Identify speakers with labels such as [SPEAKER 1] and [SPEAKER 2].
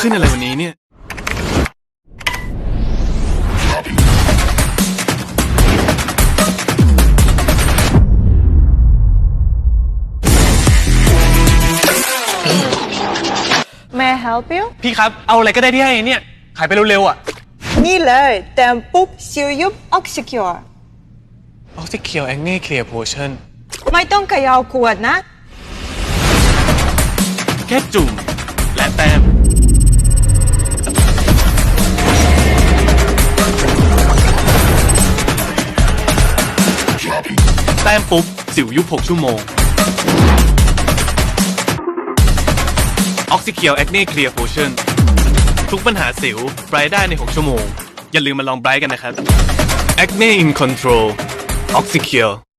[SPEAKER 1] ขึ้นอะไรวันนี้เนี่ย
[SPEAKER 2] May I help you
[SPEAKER 1] พี่ครับเอาอะไรก็ได้ที่ให้เนี่ยขายไปเร็วๆอ่ะ
[SPEAKER 2] นี่เลยแต้มปุ๊บซิลยุบออกซิคิว
[SPEAKER 1] ออกซิเคียวแองเน่เคลียร์โพชั่น
[SPEAKER 2] ไม่ต้องเขย่าขวดนะ
[SPEAKER 1] แค่จุ่มและแต้มแต้มปุ๊บสิวยุบ6 ชั่วโมงออกซิเคียวแอคเน่เคลียร์โพชั่นทุกปัญหาสิวไบรท์ได้ใน 6 ชั่วโมงอย่าลืมมาลองไบรท์กันนะครับ Acne in Control ออกซิเคียว